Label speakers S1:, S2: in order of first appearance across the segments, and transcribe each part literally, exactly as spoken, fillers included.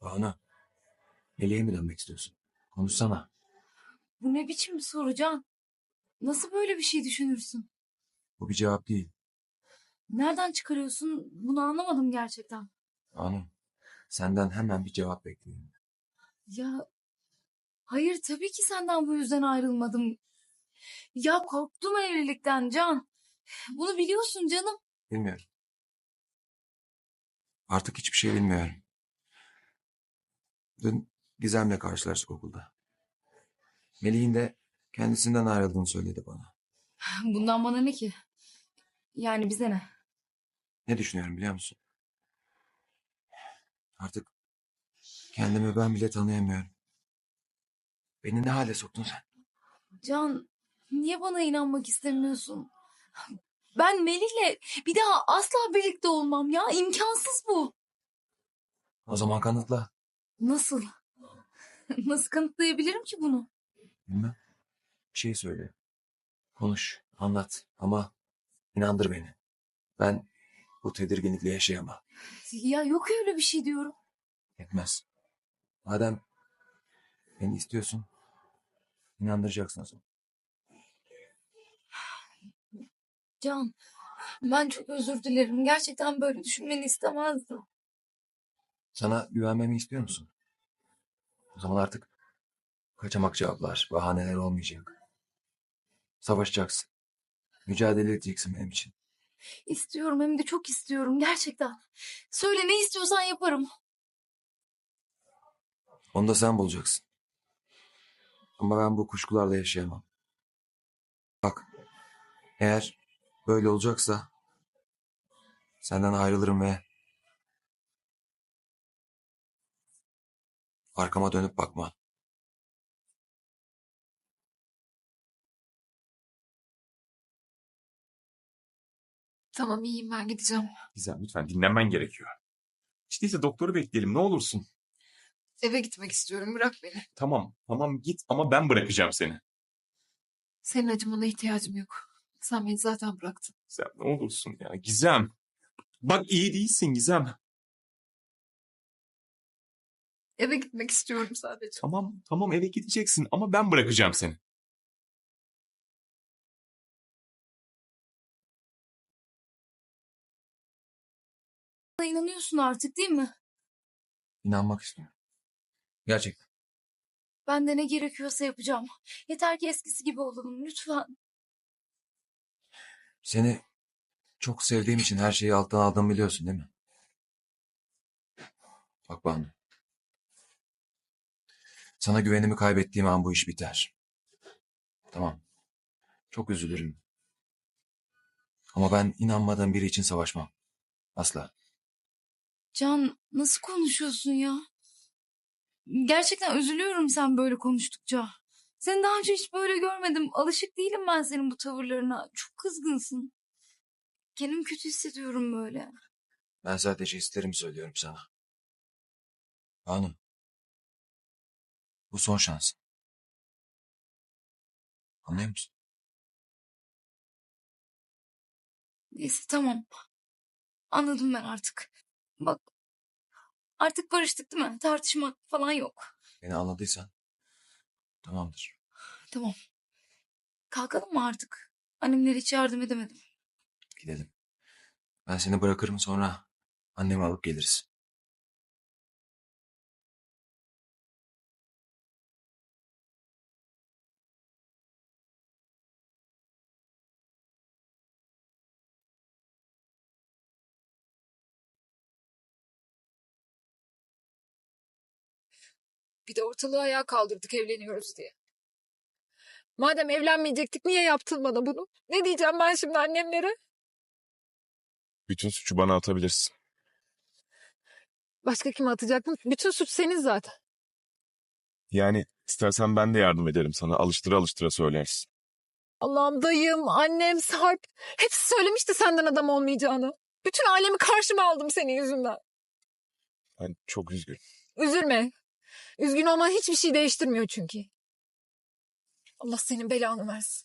S1: Banu, Melih'e mi dönmek istiyorsun? Konuşsana.
S2: Bu ne biçim bir soru Can? Nasıl böyle bir şey düşünürsün?
S1: Bu bir cevap değil.
S2: Nereden çıkarıyorsun? Bunu anlamadım gerçekten.
S1: Banu, senden hemen bir cevap bekliyorum.
S2: Ya hayır tabii ki senden bu yüzden ayrılmadım. Ya korktum evlilikten Can. Bunu biliyorsun canım.
S1: Bilmiyorum. Artık hiçbir şey bilmiyorum. Dün Gizem'le karşılaştık okulda. Melih'in de kendisinden ayrıldığını söyledi bana.
S2: Bundan bana ne ki? Yani bize ne?
S1: Ne düşünüyorum biliyor musun? Artık kendimi ben bile tanıyamıyorum. Beni ne hale soktun sen?
S2: Can niye bana inanmak istemiyorsun? Ben Melih'le bir daha asla birlikte olmam ya. İmkansız bu.
S1: O zaman kanıtla.
S2: Nasıl? Nasıl kanıtlayabilirim ki bunu?
S1: Bilmem. Bir şey söyle. Konuş, anlat ama inandır beni. Ben bu tedirginlikle yaşayamam.
S2: Ya yok öyle bir şey diyorum.
S1: Yetmez. Madem beni istiyorsun, inandıracaksın o zaman.
S2: Can, ben çok özür dilerim. Gerçekten böyle düşünmeni istemezdim.
S1: Sana güvenmemi istiyor musun? O zaman artık kaçamak cevaplar, bahaneler olmayacak. Savaşacaksın. Mücadele edeceksin benim için.
S2: İstiyorum hem de çok istiyorum gerçekten. Söyle ne istiyorsan yaparım.
S1: Onu da sen bulacaksın. Ama ben bu kuşkularla yaşayamam. Bak, eğer böyle olacaksa senden ayrılırım ve arkama dönüp bakma.
S2: Tamam iyiyim ben gideceğim.
S3: Gizem lütfen dinlenmen gerekiyor. İşte ise doktoru bekleyelim ne olursun.
S2: Eve gitmek istiyorum bırak beni.
S3: Tamam tamam git ama ben bırakacağım seni.
S2: Senin acımana ihtiyacım yok. Sen beni zaten bıraktın.
S3: Gizem ne olursun ya Gizem. Bak iyi değilsin Gizem.
S2: Eve gitmek istiyorum sadece.
S3: Tamam tamam eve gideceksin ama ben bırakacağım seni.
S2: Bana inanıyorsun artık değil mi?
S1: İnanmak istiyorum. Gerçekten.
S2: Ben de ne gerekiyorsa yapacağım. Yeter ki eskisi gibi olalım lütfen.
S1: Seni çok sevdiğim için her şeyi alttan aldığımı biliyorsun değil mi? Bak Banu. Sana güvenimi kaybettiğim an bu iş biter. Tamam. Çok üzülürüm. Ama ben inanmadığım biri için savaşmam. Asla.
S2: Can nasıl konuşuyorsun ya? Gerçekten üzülüyorum sen böyle konuştukça. Seni daha önce hiç böyle görmedim. Alışık değilim ben senin bu tavırlarına. Çok kızgınsın. Kendimi kötü hissediyorum böyle.
S1: Ben sadece hislerimi söylüyorum sana. Banu, bu son şans. Anlıyor musun?
S2: Neyse tamam. Anladım ben artık. Bak artık barıştık değil mi? Tartışmak falan yok.
S1: Beni anladıysan tamamdır.
S2: Tamam. Kalkalım mı artık? Annemlere hiç yardım edemedim.
S1: Gidelim. Ben seni bırakırım sonra annemi alıp geliriz.
S4: Bir de ortalığı ayağa kaldırdık evleniyoruz diye. Madem evlenmeyecektik niye yaptın bana bunu? Ne diyeceğim ben şimdi annemlere?
S3: Bütün suçu bana atabilirsin.
S4: Başka kime atacaktım? Bütün suç senin zaten.
S3: Yani istersen ben de yardım ederim sana. Alıştıra alıştıra söylersin.
S4: Allah'ım dayım, annem, Sarp. Hepsi söylemişti senden adam olmayacağını. Bütün ailemi karşıma aldım senin yüzünden.
S3: Ben çok üzgünüm.
S4: Üzülme. Üzgün olman hiçbir şey değiştirmiyor çünkü. Allah senin belanı versin.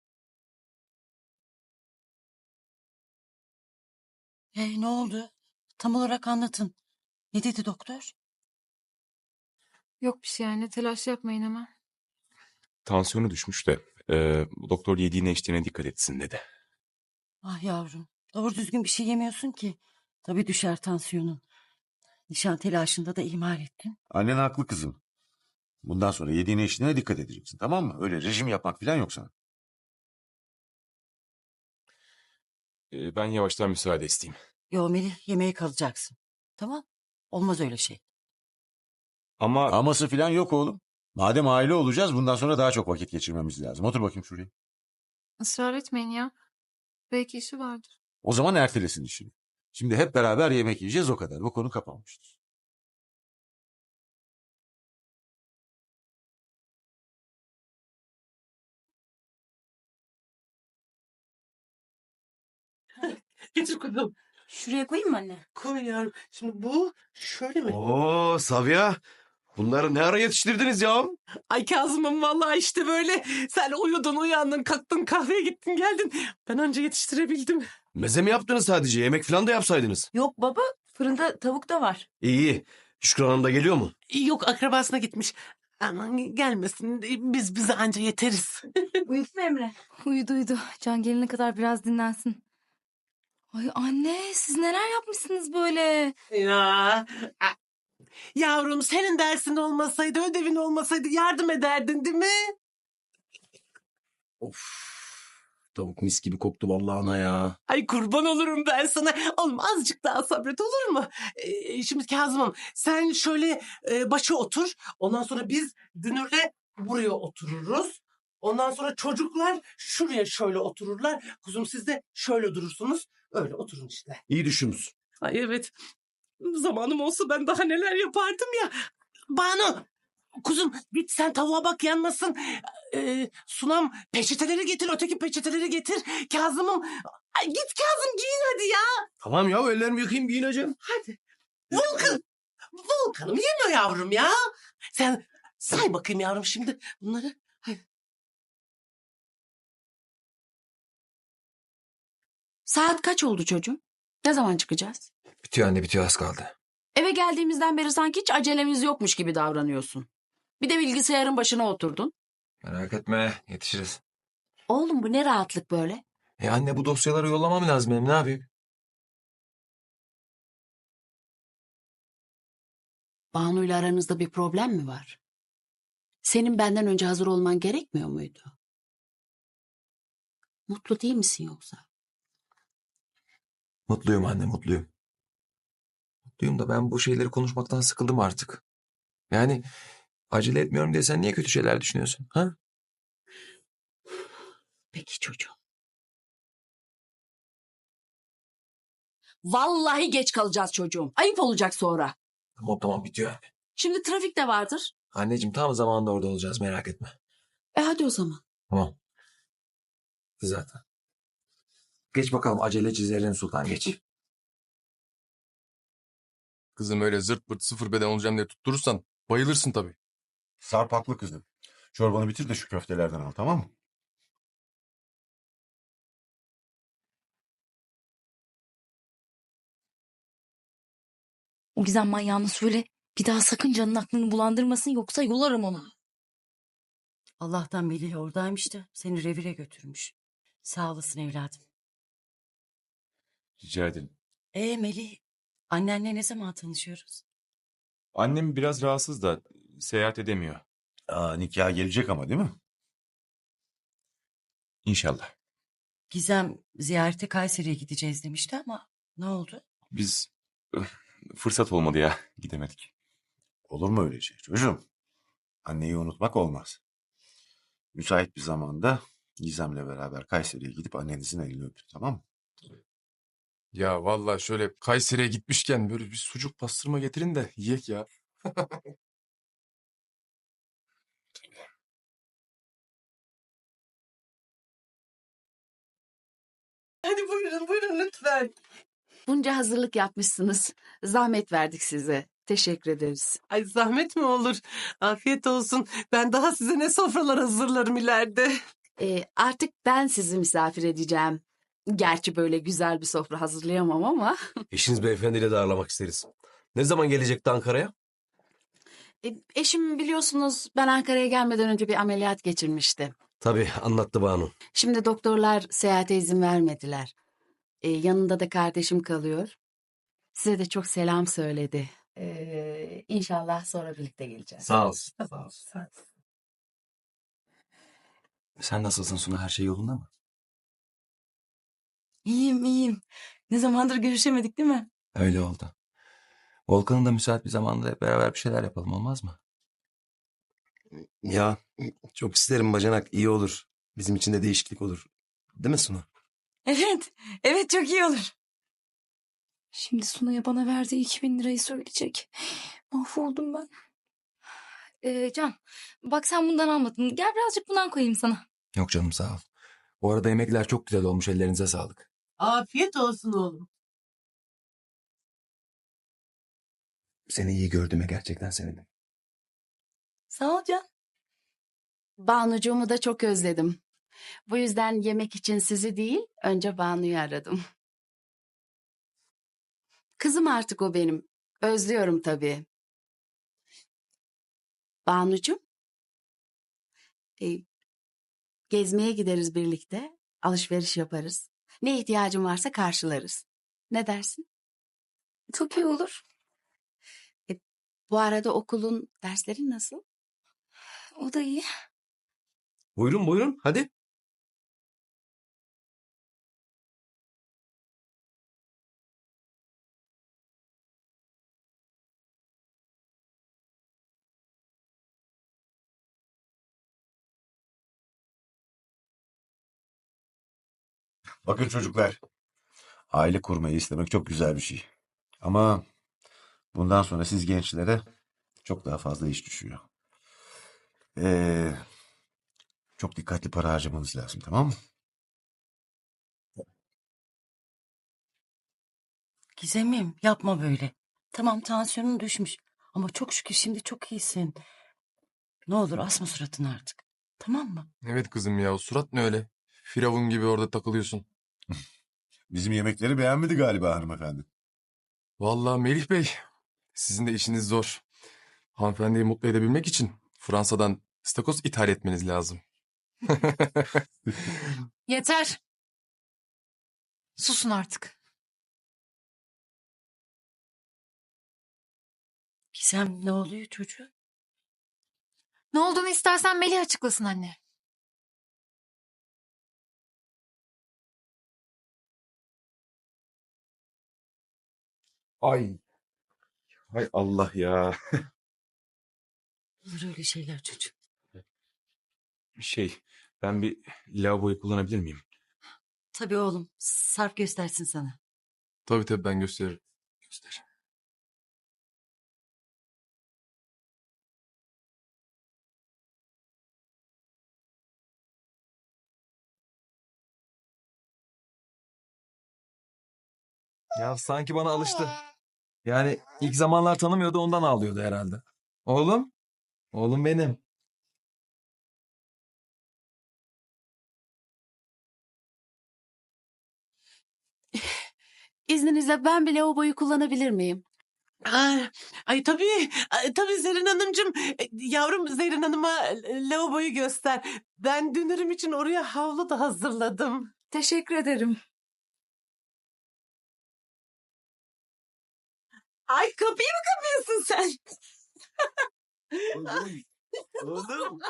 S5: Hey, ne oldu? Tam olarak anlatın. Ne dedi doktor?
S4: Yok bir şey yani telaş yapmayın hemen.
S3: Tansiyonu düşmüş de e, doktor yediğine içtiğine dikkat etsin dedi.
S5: Ah yavrum. Doğru düzgün bir şey yemiyorsun ki. Tabii düşer tansiyonun. Nişan telaşında da ihmal ettin.
S6: Annen haklı kızım. Bundan sonra yediğine içtiğine dikkat edeceksin, tamam mı? Öyle rejim yapmak falan yok sana.
S3: E, ben yavaştan müsaade isteyeyim.
S5: Yo Melih, yemeğe kalacaksın. Tamam. Olmaz öyle şey.
S3: Ama
S6: Aması falan yok oğlum. Madem aile olacağız bundan sonra daha çok vakit geçirmemiz lazım. Otur bakayım şuraya.
S4: Israr etmeyin ya. Belki işi vardır.
S6: O zaman ertelesin işini. Şimdi hep beraber yemek yiyeceğiz, o kadar. Bu konu kapanmıştır.
S7: Getir kızım.
S5: Şuraya koyayım mı anne?
S7: Koy yavrum. Şimdi bu şöyle mi?
S8: Oo Sabiha. Bunları ne ara yetiştirdiniz ya?
S7: Ay Kazım'ım vallahi işte böyle. Sen uyudun uyandın kalktın kahveye gittin geldin. Ben anca yetiştirebildim.
S8: Meze mi yaptınız sadece? Yemek falan da yapsaydınız.
S9: Yok baba, fırında tavuk da var.
S8: İyi iyi. Şükran Hanım da geliyor mu?
S7: Yok akrabasına gitmiş. Aman gelmesin biz bize anca yeteriz.
S9: Uyudu mu Emre?
S2: Uyudu uyudu. Can gelene kadar biraz dinlensin. Ay anne siz neler yapmışsınız böyle?
S7: Ya. Yavrum senin dersin olmasaydı ödevin olmasaydı yardım ederdin değil mi?
S8: Of. Tavuk mis gibi koktu vallahi ana ya.
S7: Ay kurban olurum ben sana. Oğlum azıcık daha sabret olur mu? Ee, şimdi Kazım'ım sen şöyle e, başa otur. Ondan sonra biz Dünür'le buraya otururuz. Ondan sonra çocuklar şuraya şöyle otururlar. Kuzum siz de şöyle durursunuz. Öyle oturun işte.
S8: İyi düşünmüş.
S7: Ay evet. Zamanım olsa ben daha neler yapardım ya. Banu. Kuzum git sen tavuğa bak yanmasın. Ee, Sunam peçeteleri getir, öteki peçeteleri getir. Kazım'ım ay, git Kazım giyin hadi ya.
S8: Tamam ya ellerimi yıkayayım giyineceğim.
S7: Hadi. Volkan. Volkan'ım yeme yavrum ya. Sen say bakayım yavrum şimdi bunları. Hadi.
S9: Saat kaç oldu çocuğum? Ne zaman çıkacağız?
S1: Bitiyor anne bitiyor az kaldı.
S9: Eve geldiğimizden beri sanki hiç acelemiz yokmuş gibi davranıyorsun. Bir de bilgisayarın başına oturdun.
S1: Merak etme yetişiriz.
S9: Oğlum bu ne rahatlık böyle?
S1: E anne bu dosyaları yollamam lazım benim ne yapayım?
S9: Banu'yla aranızda bir problem mi var? Senin benden önce hazır olman gerekmiyor muydu? Mutlu değil misin yoksa?
S1: Mutluyum anne mutluyum. Mutluyum da ben bu şeyleri konuşmaktan sıkıldım artık. Yani acele etmiyorum diye sen niye kötü şeyler düşünüyorsun? Ha?
S9: Peki çocuğum. Vallahi geç kalacağız çocuğum. Ayıp olacak sonra.
S1: Tamam tamam bitiyor anne.
S9: Şimdi trafik de vardır.
S1: Anneciğim tam zamanında orada olacağız merak etme.
S9: E hadi o zaman.
S1: Tamam. Zaten. Geç bakalım aceleci Zerrin Sultan geç.
S10: Kızım öyle zırt pırt sıfır beden olacağım diye tutturursan bayılırsın tabii.
S6: Sarp haklı kızım. Çorbanı bitir de şu köftelerden al, tamam mı?
S2: O Gizem manyağını söyle. Bir daha sakın canın aklını bulandırmasın yoksa yolarım onu.
S5: Allah'tan Melih oradaymış da seni revire götürmüş. Sağ olasın evladım.
S3: Rica ederim.
S5: Ee Melih, annenle ne zaman tanışıyoruz?
S3: Annem biraz rahatsız da seyahat edemiyor.
S6: Aa, nikaha gelecek ama değil mi?
S3: İnşallah.
S5: Gizem ziyarete Kayseri'ye gideceğiz demişti ama ne oldu?
S3: Biz öf, fırsat olmadı ya gidemedik.
S6: Olur mu öyle şey çocuğum? Anneyi unutmak olmaz. Müsait bir zamanda Gizem'le beraber Kayseri'ye gidip annenizin elini öpün, tamam mı?
S10: Ya vallahi şöyle Kayseri'ye gitmişken böyle bir sucuk pastırma getirin de yiyek ya.
S7: Hadi buyurun buyurun lütfen.
S9: Bunca hazırlık yapmışsınız. Zahmet verdik size. Teşekkür ederiz.
S7: Ay zahmet mi olur? Afiyet olsun. Ben daha size ne sofralar hazırlarım ileride.
S9: Ee, artık ben sizi misafir edeceğim. Gerçi böyle güzel bir sofra hazırlayamam ama.
S8: Eşiniz beyefendiyle de ağırlamak isteriz. Ne zaman gelecekti Ankara'ya?
S9: E, eşim biliyorsunuz ben Ankara'ya gelmeden önce bir ameliyat geçirmişti.
S8: Tabii anlattı Banu.
S9: Şimdi doktorlar seyahate izin vermediler. E, yanında da kardeşim kalıyor. Size de çok selam söyledi. E, inşallah sonra birlikte geleceğiz.
S1: Sağ olsun. Sağ olsun. Sen nasılsın Suna? Her şey yolunda mı?
S5: İyiyim iyiyim. Ne zamandır görüşemedik değil mi?
S1: Öyle oldu. Volkan'ın da müsait bir zamanda hep beraber bir şeyler yapalım, olmaz mı?
S8: Ya çok isterim bacanak, iyi olur. Bizim için de değişiklik olur. Değil mi Suna?
S5: Evet. Evet çok iyi olur.
S2: Şimdi Sunay'a bana verdiği iki bin lirayı söyleyecek. Mahvoldum ben. Ee, Can, bak sen bundan almadın. Gel birazcık bundan koyayım sana.
S1: Yok canım, sağ ol. Bu arada yemekler çok güzel olmuş. Ellerinize sağlık.
S7: Afiyet olsun oğlum.
S1: Seni iyi gördüğüme gerçekten sevindim.
S5: Sağ ol Can.
S9: Banucuğumu da çok özledim. Bu yüzden yemek için sizi değil, önce Banu'yu aradım. Kızım artık o benim. Özlüyorum tabii. Banucuğum, e, gezmeye gideriz birlikte, alışveriş yaparız. Ne ihtiyacın varsa karşılarız. Ne dersin?
S2: Çok iyi olur.
S9: E, bu arada okulun dersleri nasıl?
S2: O da iyi.
S8: Buyurun buyurun hadi.
S6: Bakın çocuklar, aile kurmayı istemek çok güzel bir şey. Ama bundan sonra siz gençlere çok daha fazla iş düşüyor. Ee, çok dikkatli para harcamanız lazım, tamam mı?
S5: Gizemim yapma böyle. Tamam tansiyonun düşmüş. Ama çok şükür şimdi çok iyisin. Ne olur asma suratını artık. Tamam mı?
S10: Evet kızım ya, o surat ne öyle? Firavun gibi orada takılıyorsun.
S6: Bizim yemekleri beğenmedi galiba hanımefendi.
S10: Vallahi Melih Bey, sizin de işiniz zor. Hanımefendiyi mutlu edebilmek için Fransa'dan istakoz ithal etmeniz lazım.
S4: Yeter. Susun artık.
S5: Gizem ne oluyor çocuğum?
S4: Ne olduğunu istersen Melih açıklasın anne.
S3: Ay. Hay Allah ya.
S5: Olur öyle şeyler çocuğum.
S3: Şey, ben bir lavaboyu kullanabilir miyim?
S5: Tabii oğlum. Sarp göstersin sana.
S10: Tabii tabii, ben gösteririm. Göster.
S1: Ya sanki bana alıştı. Yani ilk zamanlar tanımıyordu, ondan ağlıyordu herhalde. Oğlum, oğlum benim.
S9: İzninizle ben bile o boyu kullanabilir miyim?
S7: Ay, ay tabii, ay, tabii Zerrin Hanımcığım. E, Yavrum Zerrin Hanım'a e, lavaboyu göster. Ben dünürüm için oraya havlu da hazırladım.
S2: Teşekkür ederim.
S7: Ay kapıyı mı kapıyorsun sen?
S8: Oğlum. Oğlum.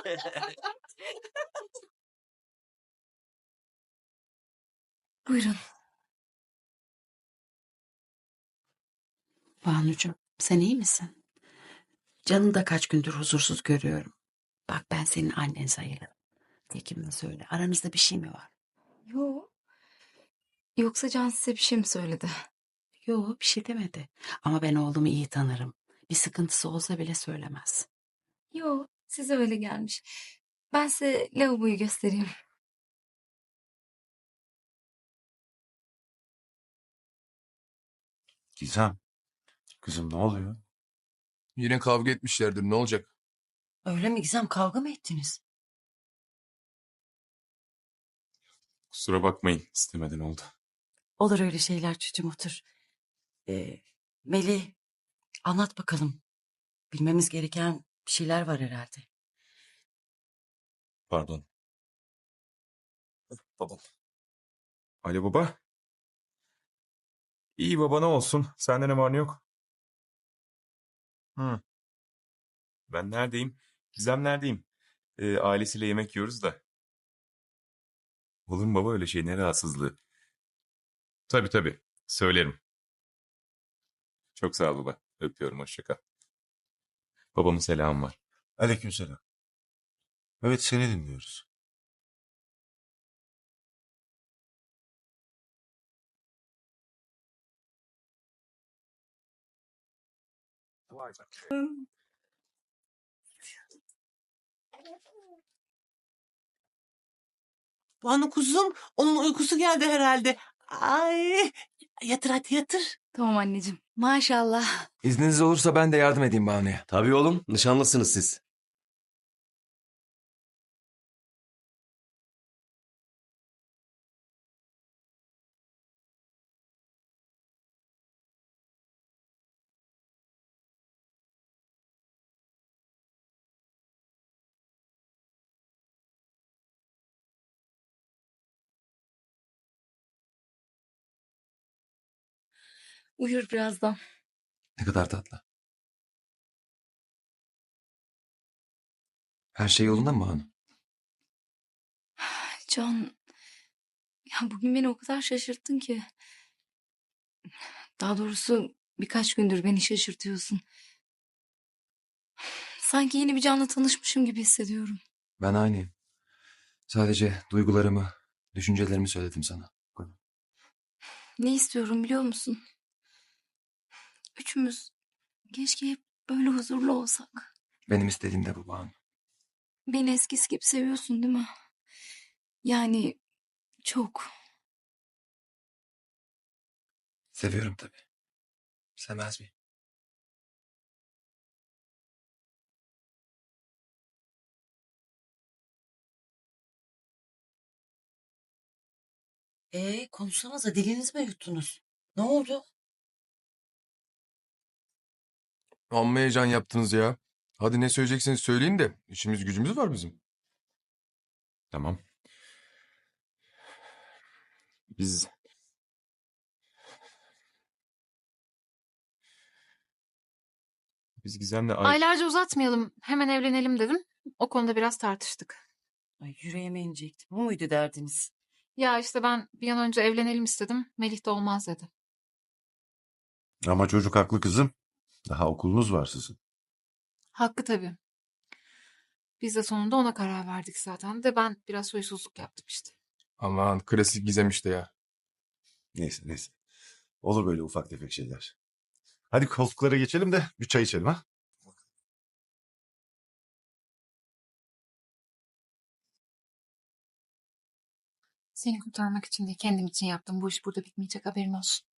S2: Buyurun.
S9: Banucuğum, sen iyi misin? Canını da kaç gündür huzursuz görüyorum. Bak ben senin annen sayılırım. Tekim'le söyle. Aranızda bir şey mi var?
S2: Yok. Yoksa Can size bir şey mi söyledi?
S9: Yok bir şey demedi. Ama ben oğlumu iyi tanırım. Bir sıkıntısı olsa bile söylemez.
S2: Yok. Size öyle gelmiş. Ben size lavaboyu göstereyim.
S6: Gizem, kızım ne oluyor?
S10: Yine kavga etmişlerdir, ne olacak?
S5: Öyle mi Gizem, kavga mı ettiniz?
S3: Kusura bakmayın, istemeden oldu.
S5: Olur öyle şeyler çocuğum, otur. Ee, Melih, anlat bakalım. Bilmemiz gereken bir şeyler var herhalde.
S3: Pardon. Babam. Alo baba. İyi baba, ne olsun? Sende ne var ne yok? Hı. Ben neredeyim? Gizem neredeyim? Ee, ailesiyle yemek yiyoruz da. Olur mu baba öyle şey? Ne rahatsızlığı? Tabii tabii. Söylerim. Çok sağ ol baba. Öpüyorum. Hoşça kal. Babamın selamı var.
S6: Aleykümselam. Evet, seni dinliyoruz.
S7: Banu kuzum, onun uykusu geldi herhalde. Ay, yatır hadi yatır.
S2: Tamam anneciğim. Maşallah.
S1: İzniniz olursa ben de yardım edeyim Banu'ya.
S8: Tabii oğlum, nişanlısınız siz.
S2: Uyur birazdan.
S1: Ne kadar tatlı. Her şey yolunda mı Banu?
S2: Can, ya bugün beni o kadar şaşırttın ki. Daha doğrusu birkaç gündür beni şaşırtıyorsun. Sanki yeni bir canla tanışmışım gibi hissediyorum.
S1: Ben aynıyım. Sadece duygularımı, düşüncelerimi söyledim sana.
S2: Ne istiyorum biliyor musun? Üçümüz keşke hep böyle huzurlu olsak.
S1: Benim istediğim de bu Banu.
S2: Beni eskisi gibi seviyorsun değil mi? Yani çok.
S1: Seviyorum tabii. Sevmez miyim?
S5: Ee, konuşsanıza, diliniz mi yuttunuz? Ne oldu?
S10: Amma heyecan yaptınız ya. Hadi ne söyleyecekseniz söyleyin de işimiz gücümüz var bizim.
S3: Tamam. Biz... Biz Gizem'le... ay-
S4: Aylarca uzatmayalım. Hemen evlenelim dedim. O konuda biraz tartıştık.
S5: Ay, yüreğime inecektim. Bu muydu derdiniz?
S4: Ya işte ben bir an önce evlenelim istedim. Melih de olmaz dedi.
S6: Ama çocuk haklı kızım. Daha okulunuz var sizin.
S4: Hakkı tabii. Biz de sonunda ona karar verdik zaten de ben biraz huysuzluk yaptım işte.
S10: Aman klasik Gizem işte ya.
S6: Neyse neyse. Olur böyle ufak tefek şeyler. Hadi koltuklara geçelim de bir çay içelim ha.
S4: Seni kurtarmak için değil kendim için yaptım. Bu iş burada bitmeyecek haberin olsun.